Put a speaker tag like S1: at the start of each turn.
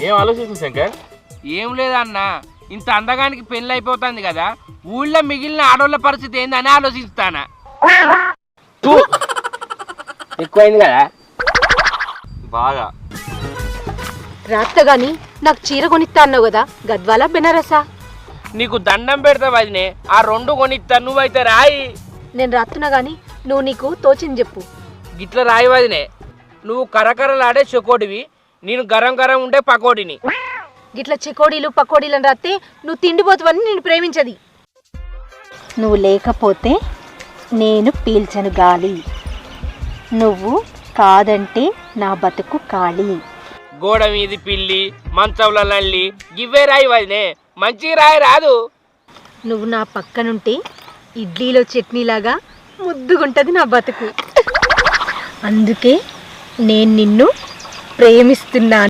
S1: ఏం ఆలోచిస్తుంది శంకర్?
S2: ఏం లేదన్నా, ఇంత అందగానికి పెళ్ళి అయిపోతుంది కదా, ఊళ్ళో మిగిలిన ఆడోళ్ళ పరిస్థితి ఏందని ఆలోచిస్తానా. ఎక్కువైంది కదా
S1: బాగా.
S3: రాత్త గాని నాకు చీర కొనిస్తా అన్నావు కదా, గద్వాల బెనారసా?
S2: నీకు దండం పెడతా వదినే, ఆ 2 కొనిస్తా, నువ్వైతే రాయి.
S3: నేను రాత్తున్నా గాని నువ్వు నీకు తోచింది చెప్పు.
S2: గిట్ల రాయి వదినే, నువ్వు కరకరలాడే చెకోడివి, నేను గరం గరం ఉండే పకోడిని.
S3: గిట్ల చెకోడీలు పకోడీలు అని రాస్తే నువ్వు తిండిపోతావని నేను ప్రేమించది. నువ్వు లేకపోతే నేను పీల్చను గాలి, నువ్వు కాదంటే నా బతుకు ఖాళీ.
S2: గోడ మీది పిల్లి, మంచంలో నల్లి, గివ్వే రాయి వదినే, మంచి రాయి రాదు.
S3: నువ్వు నా పక్కనుంటే ఇడ్లీలో చట్నీలాగా ముద్దుగుంటది నా బతుకు. అందుకే నేను నిన్ను ప్రేమిస్తున్నాను.